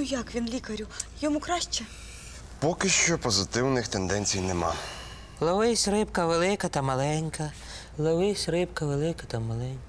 як він, лікарю? Йому краще? Поки що позитивних тенденцій нема. Ловись, рибка велика та маленька. Ловись, рибка велика та маленька.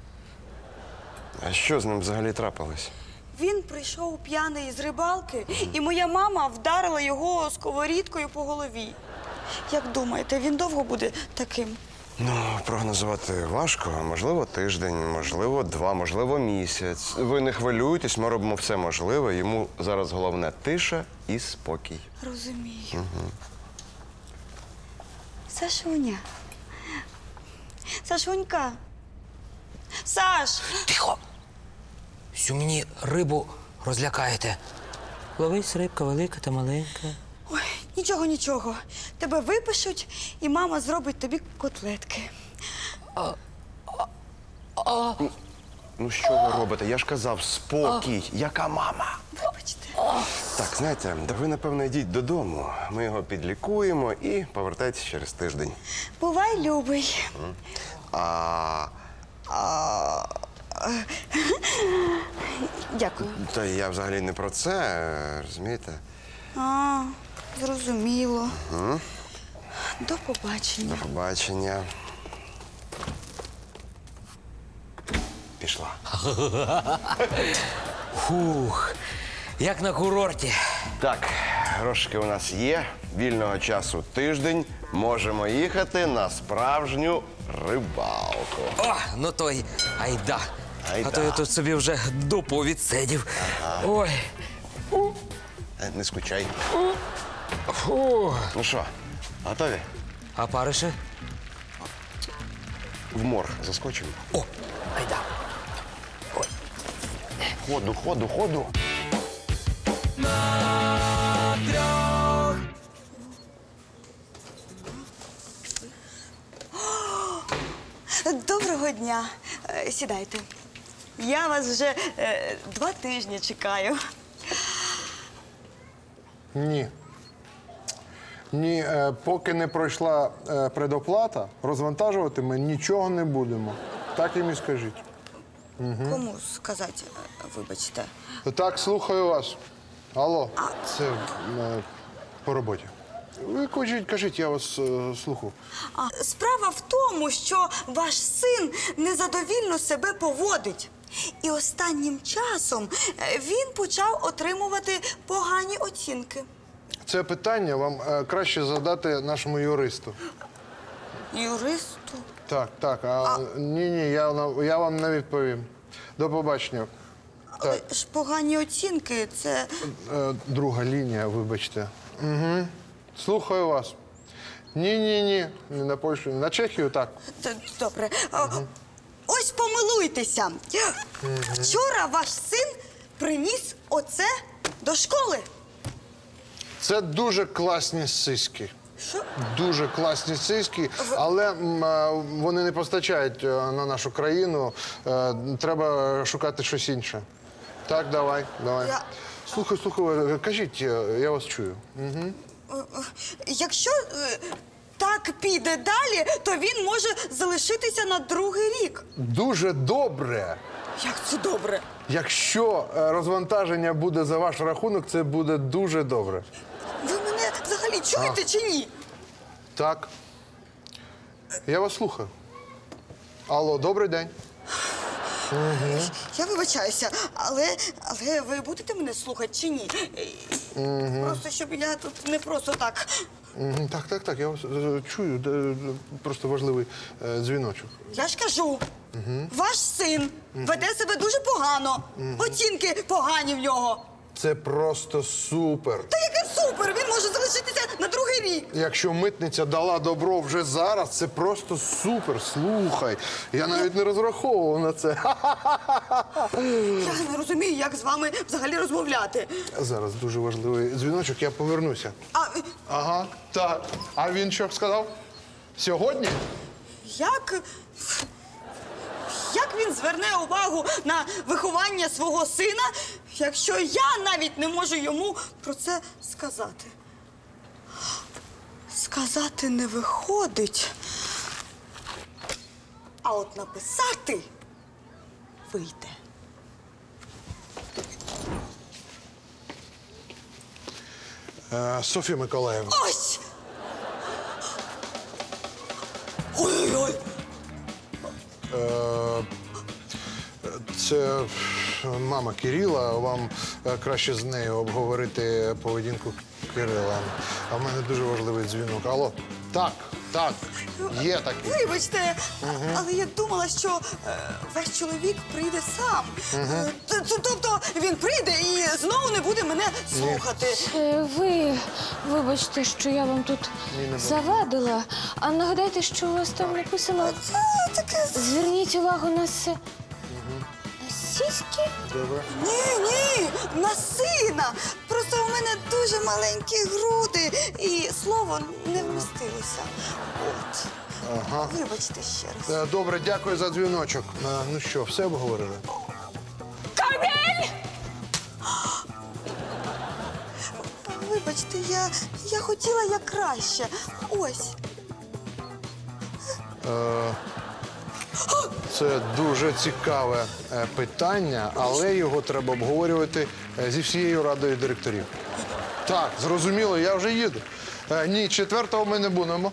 А що з ним взагалі трапилось? Він прийшов п'яний з рибалки, і моя мама вдарила його сковорідкою по голові. Як думаєте, він довго буде таким? Ну, прогнозувати важко. Можливо, тиждень, можливо, 2, можливо, місяць. Ви не хвилюйтесь, ми робимо все можливе. Йому зараз головне тиша і спокій. Розумію. Сашуня. Сашунька. Саш! Тихо! Всю мені рибу розлякаєте. Ловись, рибка велика та маленька. Ой, нічого. Тебе випишуть, і мама зробить тобі котлетки. Ну, що ви робите? Я ж казав, спокій. Яка мама? Вибачте. Так, знаєте, ви, напевно, йдіть додому. Ми його підлікуємо і повертайтесь через тиждень. Бувай, любий. Дякую. Та я взагалі не про це, розумієте? Зрозуміло. До побачення. До побачення. Пішла. Фух, як на курорті. Так, грошики у нас є, вільного часу тиждень. Можемо їхати на справжню рибалку. О, ну той айда. Айда. А то я тут собі вже дупу відсидів. Ой. Не скучай. Фу. Ну що, готові? А париші? В морг заскочимо. О, айда. Ходу. Доброго дня. Сідайте. Я вас вже 2 тижні чекаю. Ні, поки не пройшла предоплата, розвантажувати ми нічого не будемо. Так їм і скажіть. Кому сказати, вибачте? Так, слухаю вас. Алло, це по роботі. Ви кажіть, я вас слухаю. Справа в тому, що ваш син незадовільно себе поводить. І останнім часом він почав отримувати погані оцінки. Це питання вам краще задати нашому юристу. Юристу? Так. Ні, я вам не відповім. До побачення. Але ж погані оцінки – це… Друга лінія, вибачте. Угу. Слухаю вас. Ні. Не на Польщу, на Чехію, так. Добре. Ось помилуйтеся. Вчора ваш син приніс оце до школи. Це дуже класні сиськи. Що? Дуже класні сиськи, але вони не постачають на нашу країну. Треба шукати щось інше. Так, давай. Слухай, кажіть, я вас чую. Угу. Якщо так піде далі, то він може залишитися на 2-й рік. Дуже добре. Як це добре? Якщо розвантаження буде за ваш рахунок, це буде дуже добре. Ви мене взагалі чуєте чи ні? Так. Я вас слухаю. Алло, добрий день. Я вибачаюся, але ви будете мене слухати чи ні? Просто щоб я тут не просто так. Так, я вас чую. Просто важливий дзвіночок. Я ж кажу, ваш син веде себе дуже погано. Оцінки погані в нього. Це просто супер. Та яке супер! Він може залишитися на 2-й рік. Якщо митниця дала добро вже зараз, це просто супер. Слухай, я навіть не розраховував на це. Я не розумію, як з вами взагалі розмовляти. Зараз дуже важливий дзвіночок, я повернуся. А Ага, так. А він що сказав? Сьогодні? Як він зверне увагу на виховання свого сина, якщо я навіть не можу йому про це сказати? Сказати не виходить, а от написати вийде. Софія Миколаївна. Ось! Ой-ой-ой! Це мама Кирила. Вам краще з нею обговорити поведінку Кирила. А в мене дуже важливий дзвінок. Алло? Так, є такий. Вибачте, але я думала, що ваш чоловік прийде сам. Тобто він прийде і знову не буде мене слухати. Вибачте, що я вам тут завадила. А нагадайте, що у вас там написано? Це таке... Зверніть увагу на на сіськи? Добре. Ні, на сина. Просто у мене дуже маленькі груди і слово не вмістилося. От. Ага. Вибачте ще раз. Добре, дякую за дзвіночок. Ну що, все обговорили? Вибачте, я хотіла як краще. Ось. Це дуже цікаве питання, але його треба обговорювати зі всією радою директорів. Так, зрозуміло, я вже їду. Ні, 4-го ми не будемо.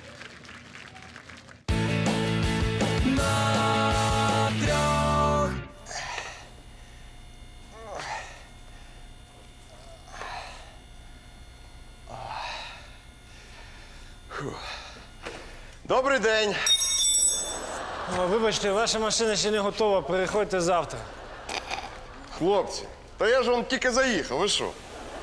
Добрий день. Вибачте, ваша машина ще не готова, приходьте завтра. Хлопці, та я ж вам тільки заїхав, ви що?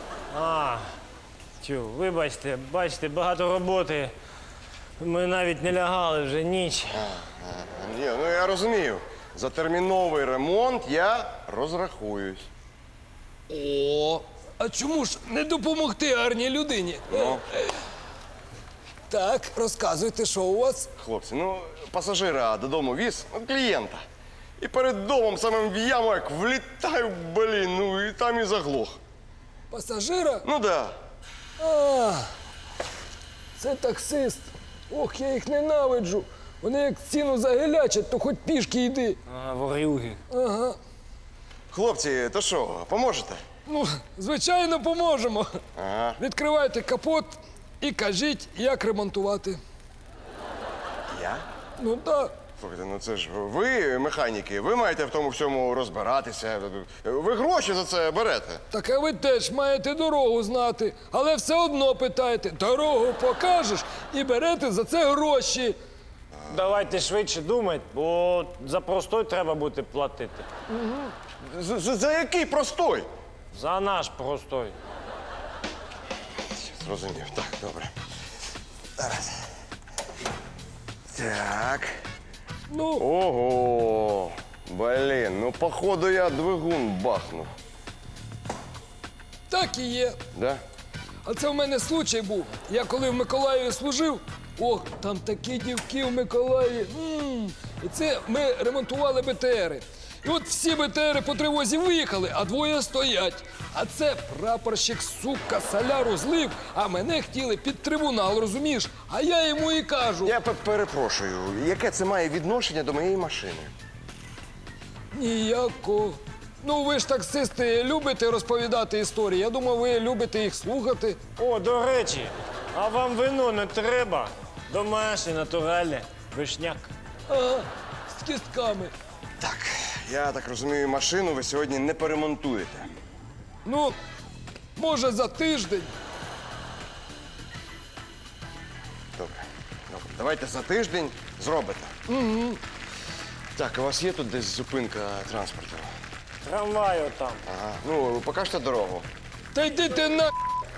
Вибачте, бачите, багато роботи. Ми навіть не лягали вже ніч. Ні, ну я розумію. За терміновий ремонт я розрахуюсь. О, а чому ж не допомогти гарній людині? Ну, Так, розказуйте, що у вас? хлопці, ну пасажира додому віз, клієнта. І перед домом самим в яму як влітаю, блін, ну і там і заглох. Пасажира? Ну да. А, це таксист. Ох, я їх ненавиджу. Вони як ціну загилячать, то хоч пішки йди. Ворюги. Ага. Хлопці, то що, поможете? Ну, звичайно, поможемо. Ага. Відкривайте капот і кажіть, як ремонтувати. Я? Ну так. Слухайте, ну це ж ви, механіки, ви маєте в тому всьому розбиратися. Ви гроші за це берете. Так а ви теж маєте дорогу знати, але все одно питаєте, дорогу покажеш і берете за це гроші. Давайте швидше думайте, бо за простой треба буде платити. За який простой? За наш простой. Зрозумів, так, добре. Зараз. Так. Ну, Ого! Блін, ну походу я двигун бахнув. так і є. Да? А це в мене случай був. Я коли в Миколаєві служив, ох, там такі дівки в Миколаєві. І це ми ремонтували БТРи. І от всі БТРи по тривозі виїхали, а двоє стоять. А це прапорщик, сука, соляру злив, а мене хотіли під трибунал, розумієш? А я йому і кажу. Я перепрошую, яке це має відношення до моєї машини? Ніякого. Ну, ви ж таксисти любите розповідати історії. Я думав, ви любите їх слухати. О, до речі, а вам вино не треба? Домашнє, натуральне, вишняк. Ага, з кістками. Так, я так розумію, машину ви сьогодні не поремонтуєте. Ну, може, за тиждень. Добре, добре. Давайте за тиждень зробите. Угу. Так, у вас є тут десь зупинка транспорту? Трамвай отам. Ага. Ну, покажете дорогу. Та йди ти на...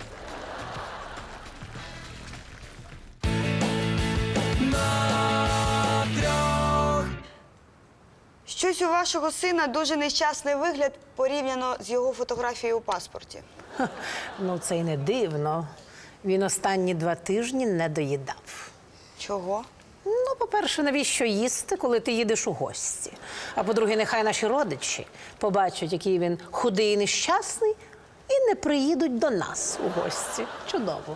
Щось у вашого сина дуже нещасний вигляд порівняно з його фотографією у паспорті. Ну, це й не дивно. Він останні 2 тижні не доїдав. Чого? Ну, по-перше, навіщо їсти, коли ти їдеш у гості? А по-друге, нехай наші родичі побачать, який він худий і нещасний, і не приїдуть до нас у гості. Чудово.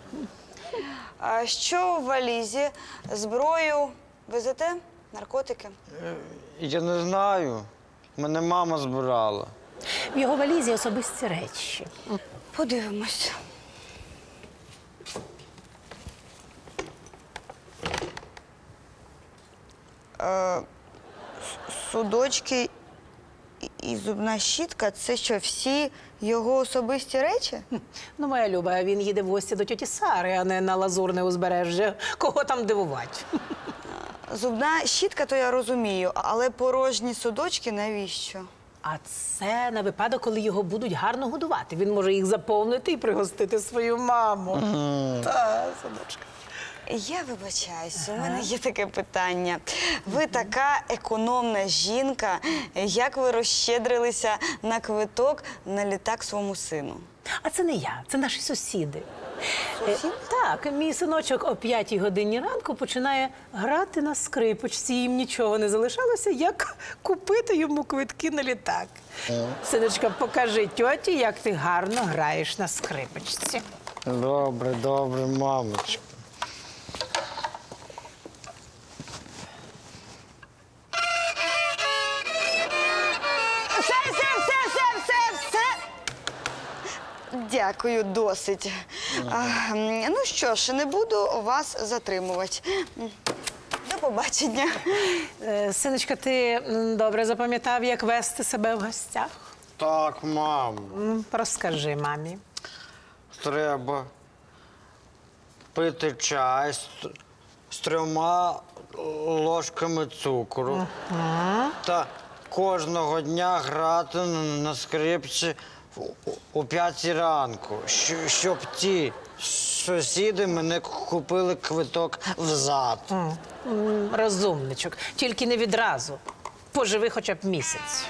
А що в валізі? Зброю везете? Наркотики? Я не знаю. Мене мама збирала. В його валізі особисті речі. Подивимось. Судочки і зубна щітка – це що, всі його особисті речі? Ну, моя Люба, він їде в гості до тьоті Сари, а не на Лазурне узбережжя. Кого там дивувати? Зубна щітка, то я розумію, але порожні судочки навіщо? А це на випадок, коли його будуть гарно годувати. Він може їх заповнити і пригостити свою маму. Та, синочка. Я вибачаюсь, у мене є таке питання. Ви така економна жінка. Як ви розщедрилися на квиток на літак своєму сину? А це не я, це наші сусіди. Так, мій синочок о 5 годині ранку починає грати на скрипочці. Їм нічого не залишалося, як купити йому квитки на літак. Синочка, покажи тьоті, як ти гарно граєш на скрипочці. Добре, добре, мамочка. Все! Дякую, досить. Ну що ж, не буду вас затримувати. До побачення. Синочка, ти добре запам'ятав, як вести себе в гостях? Так, мамо. Розкажи мамі. Треба пити чай з 3 ложками цукру. Та кожного дня грати на скрипці о 5 ранку, щоб ті сусіди мене купили квиток взад. Розумничок. Тільки не відразу. Поживи хоча б місяць.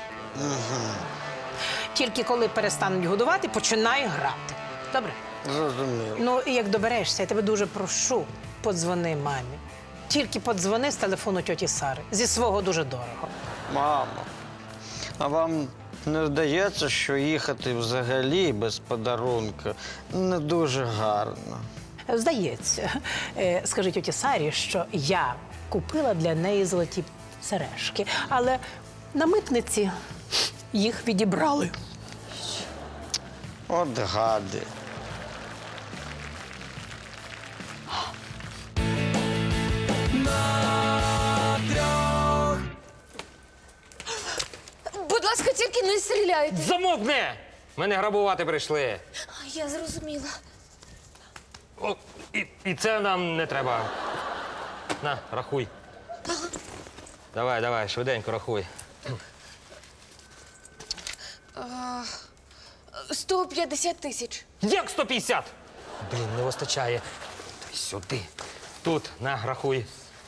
Тільки коли перестануть годувати, починай грати. Добре? Зрозуміло. Ну, і як доберешся, я тебе дуже прошу, подзвони мамі. Тільки подзвони з телефону тьоті Сари. Зі свого дуже дорого. Мамо, а вам не здається, що їхати взагалі без подарунка не дуже гарно? Здається. Скажи тьоті Сарі, що я купила для неї золоті сережки, але на митниці їх відібрали. От гади. Будь ласка, тільки не стріляйте. Замовкни! Мене грабувати прийшли. Я зрозуміла. О, і це нам не треба. На, рахуй. Давай, швиденько рахуй. 150 тисяч. Як 150? Блін, не вистачає. Дай сюди. Тут, на, рахуй.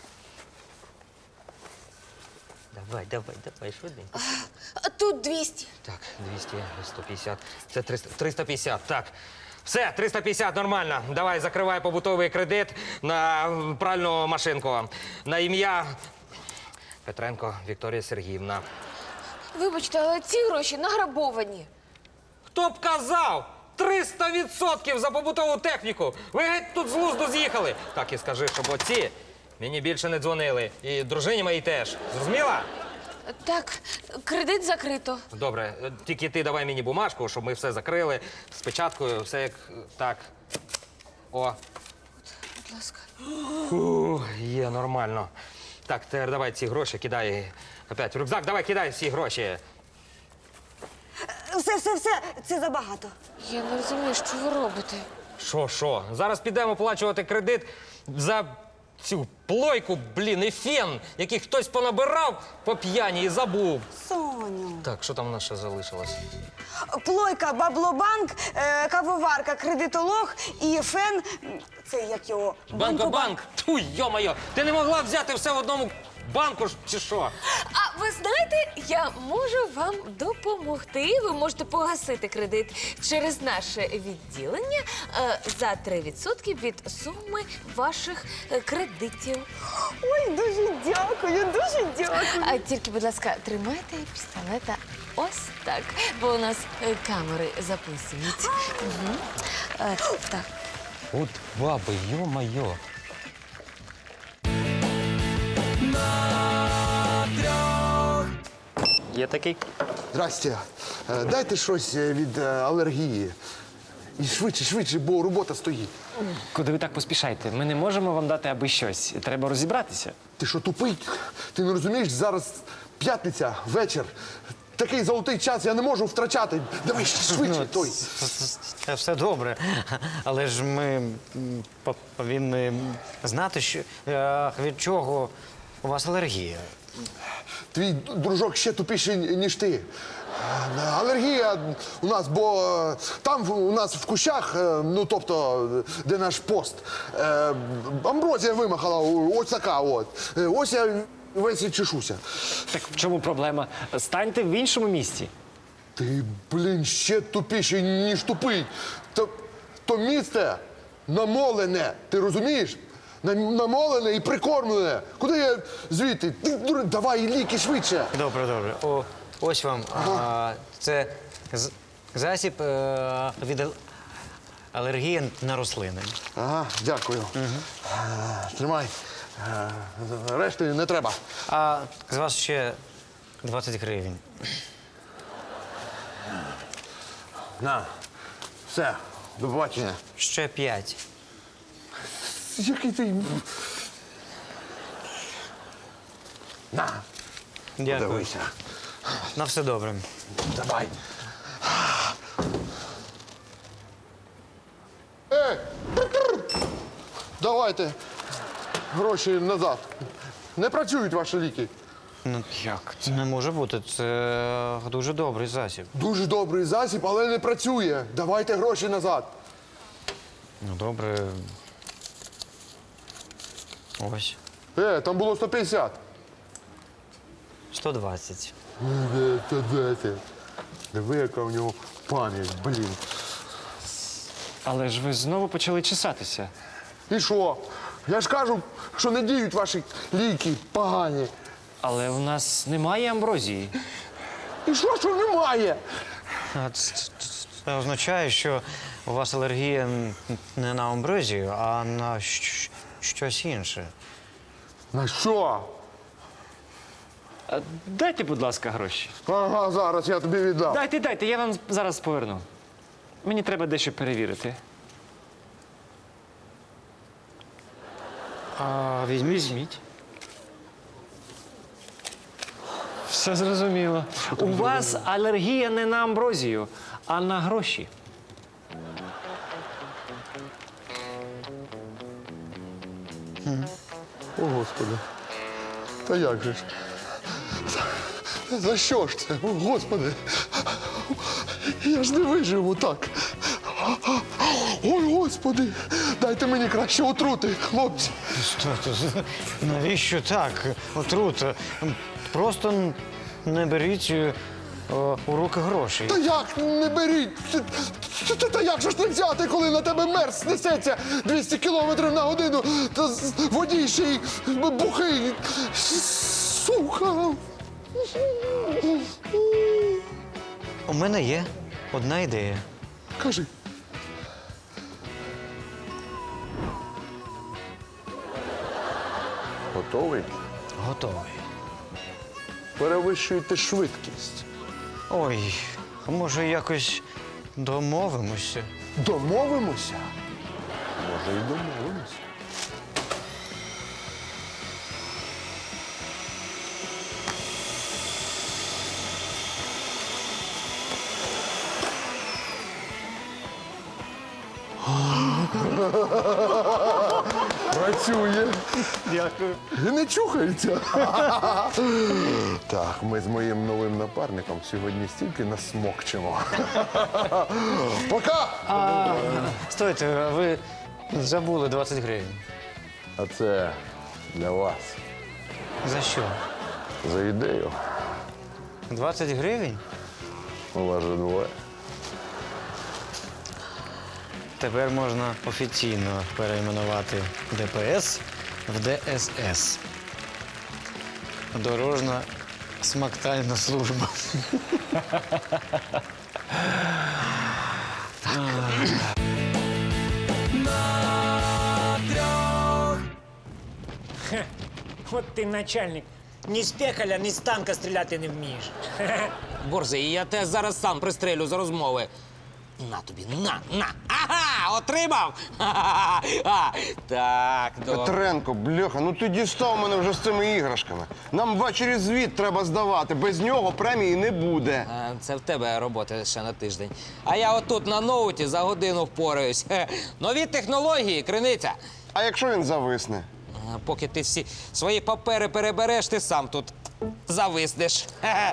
Давай, швиденько. А тут 200. Так, 200, 150. Це 300, 350, так. Все, 350, нормально. Давай, закривай побутовий кредит на пральну машинку. На ім'я Петренко Вікторія Сергіївна. Вибачте, але ці гроші награбовані. Хто б казав? 300% за побутову техніку! Ви геть тут з глузду з'їхали. Так і скажи, щоб оці мені більше не дзвонили. І дружині моїй теж. Зрозуміла? Так, кредит закрито. Добре, тільки ти давай мені бумажку, щоб ми все закрили. З печаткою, все як так. О. Будь ласка. Є, нормально. Так, тепер давай ці гроші кидай. Опять в рюкзак, давай кидай всі гроші. Все, це забагато. Я не розумію, що ви робите. Що? Зараз підемо оплачувати кредит за цю плойку, блін, і фен, який хтось понабирав по п'яні і забув. Соню. Так, що там у нас ще залишилось? Плойка, баблобанк, кавоварка, кредитолог і фен. Це як його? Банкобанк! Ту, йо-моє! Ти не могла взяти все в одному банку ж, чи що? А ви знаєте, я можу вам допомогти. Ви можете погасити кредит через наше відділення за 3% від суми ваших кредитів. Ой, дуже дякую. А тільки, будь ласка, тримайте пістолета ось так, бо у нас камери записують. Так. От баби, йо-моє. Є такий? Здрасте. Дайте щось від алергії. І швидше, бо робота стоїть. Куди ви так поспішаєте? Ми не можемо вам дати аби щось. Треба розібратися. Ти що, тупий? Ти не розумієш, зараз п'ятниця, вечір. Такий золотий час я не можу втрачати. Давай швидше, той. Все добре. Але ж ми повинні знати, що, від чого у вас алергія. Твій дружок ще тупіший, ніж ти. Алергія у нас, бо там у нас в кущах, ну тобто, де наш пост, амброзія вимахала, ось така от. Ось я весь і чешуся. Так в чому проблема? Станьте в іншому місці. Ти, блін, ще тупіший, ніж тупий. То місце намолене, ти розумієш? Намолене і прикормлене. Куди я звідти? Давай ліки швидше. Добре. Ось вам. Це засіб від алергії на рослини. Ага, дякую. Тримай. Решти не треба. А з вас ще 20 гривень. На. Все. До побачення. Ще 5. Який ти. На. Дякую. Подивися. На все добре. Давай. Давайте гроші назад. Не працюють ваші ліки. Ну, як? Це не може бути. Це дуже добрий засіб. Дуже добрий засіб, але не працює. Давайте гроші назад. Ну, добре. Ось. Там було 150. 120. 110. Диви, яка в нього пам'ять, блін. Але ж ви знову почали чесатися. І що? Я ж кажу, що не діють ваші ліки погані. Але у нас немає амброзії. І що немає? Це означає, що у вас алергія не на амброзію, а на щось інше. На що? Дайте, будь ласка, гроші. Ага, зараз я тобі віддам. Дайте, я вам зараз поверну. Мені треба дещо перевірити. Візьміть. Все зрозуміло. У вас алергія не на амброзію, а на гроші. О, Господи. Та як же ж? За що ж це? О, Господи. Я ж не виживу так. Ой, Господи. Дайте мені краще отрути, хлопці. Навіщо так? Отрута. Просто не беріть у руки гроші. Та як не беріть? Та як же ж не взяти, коли на тебе мерз несеться 200 кілометрів на годину, та водій ще й бухий. Сука. У мене є одна ідея. Кажи. Готовий? Готовий. Перевищуйте швидкість. Ой, а може якось домовимося? Домовимося? Може, і домовимося. Працює. Дякую. І не чухається. Так, ми з моїм новим напарником сьогодні стільки насмокчемо. Пока! Стойте, ви забули 20 гривень. А це для вас. За що? За ідею. 20 гривень? У вас же двоє. Тепер можна офіційно перейменувати ДПС в ДСС. Дорожна смактальна служба. От ти начальник. Ні з пекаля, ні з танка стріляти не вмієш. Борзий, я тебе зараз сам пристрелю за розмови. На тобі, на. Ага, отримав. Так, добре. Петренко, бляха, ну ти дістав мене вже з цими іграшками. Нам ввечері звіт треба здавати. Без нього премії не буде. Це в тебе робота ще на тиждень. А я отут на ноуті за годину впораюсь. Нові технології, Криниця. А якщо він зависне? Поки ти всі свої папери перебереш, ти сам тут зависнеш.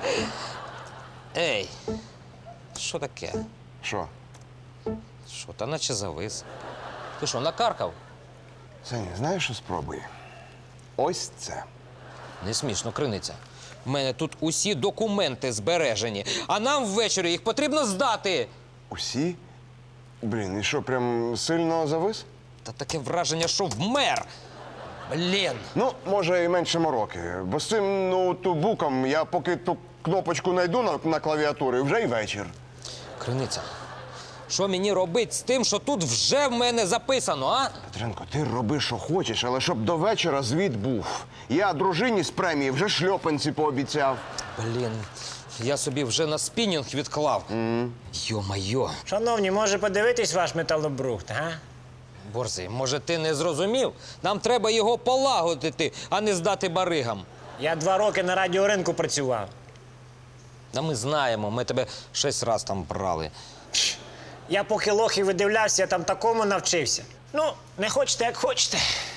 Ей, що таке? Що? Що, та наче завис. Ти що, накаркав? Саня, знаєш, що спробуй? Ось це. Не смішно, Криниця. В мене тут усі документи збережені, а нам ввечері їх потрібно здати. Усі? Блін, і що, прям сильно завис? Та таке враження, що вмер. Блін. Ну, може, і менше мороки. Бо з цим ноутбуком я поки ту кнопочку знайду на клавіатурі, вже й вечір. Криниця, що мені робити з тим, що тут вже в мене записано, а? Петренко, ти роби, що хочеш, але щоб до вечора звіт був. Я дружині з премії вже шльопанці пообіцяв. Блін, я собі вже на спінінг відклав. Йо-майо. Шановні, може подивитись ваш металобрухт, га? Борзий, може, ти не зрозумів? Нам треба його полагодити, а не здати баригам. Я 2 роки на радіоринку працював. Та ми знаємо, ми тебе 6 раз там брали. Я поки лохи видивлявся, я там такому навчився. Ну, не хочете, як хочете.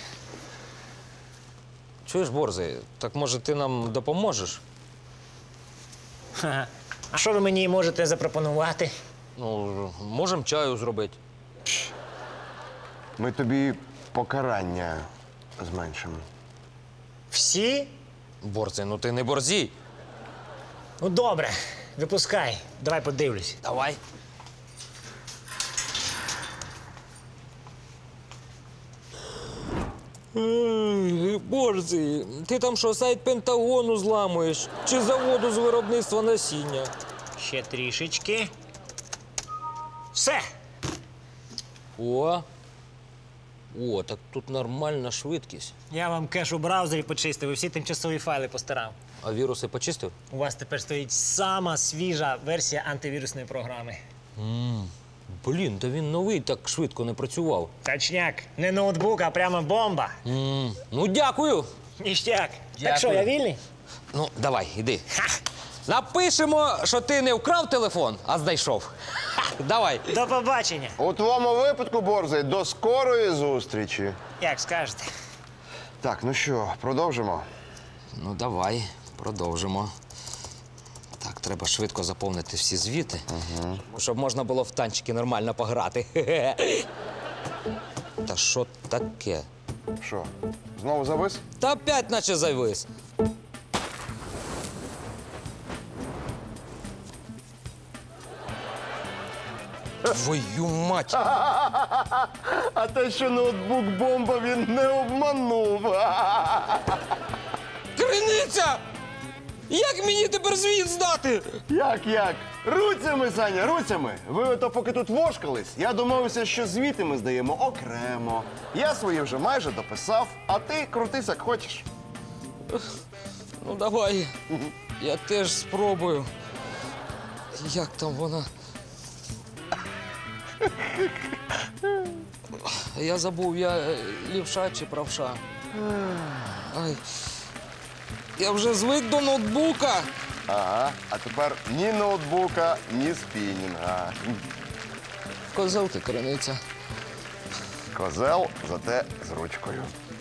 Чуєш, Борзий, так може ти нам допоможеш? Ха-ха. А що ви мені можете запропонувати? Ну, можемо чаю зробити. Ми тобі покарання зменшимо. Всі? Борзий, ну ти не борзій. Ну, добре. Випускай. Давай подивлюсь. Давай. Борзий, ти там що, сайт Пентагону зламуєш? Чи заводу з виробництва насіння? Ще трішечки. Все. О, так тут нормальна швидкість. Я вам кеш у браузері почистив і всі тимчасові файли постарав. А віруси почистив? У вас тепер стоїть сама свіжа версія антивірусної програми. Блін, та він новий, так швидко не працював. Точняк. Не ноутбук, а прямо бомба. Ну, дякую. Ніштяк. Дякую. Так що, я вільний? Ну, давай, іди. Напишемо, що ти не вкрав телефон, а знайшов. Давай. До побачення. У твоєму випадку, Борзий, до скорої зустрічі. Як скажете. Так, ну що, продовжимо? Ну, давай, продовжимо. Так, треба швидко заповнити всі звіти, щоб можна було в танчики нормально пограти. Та що таке? Що, знову завис? Та опять наче завис. Твою мать! А те, що ноутбук бомба, він не обманув. Криниця! Як мені тепер звіт здати? Як? Руцями, Саня, руцями. Ви ото поки тут вошкались, я домовився, що звіти ми здаємо окремо. Я свої вже майже дописав, а ти крутись, як хочеш. Ну, давай. Я теж спробую. Як там вона? Я забув, я лівша чи правша. Ай. Я вже звик до ноутбука. Ага, а тепер ні ноутбука, ні спінінга. Козел ти, Криниця. Козел, зате з ручкою.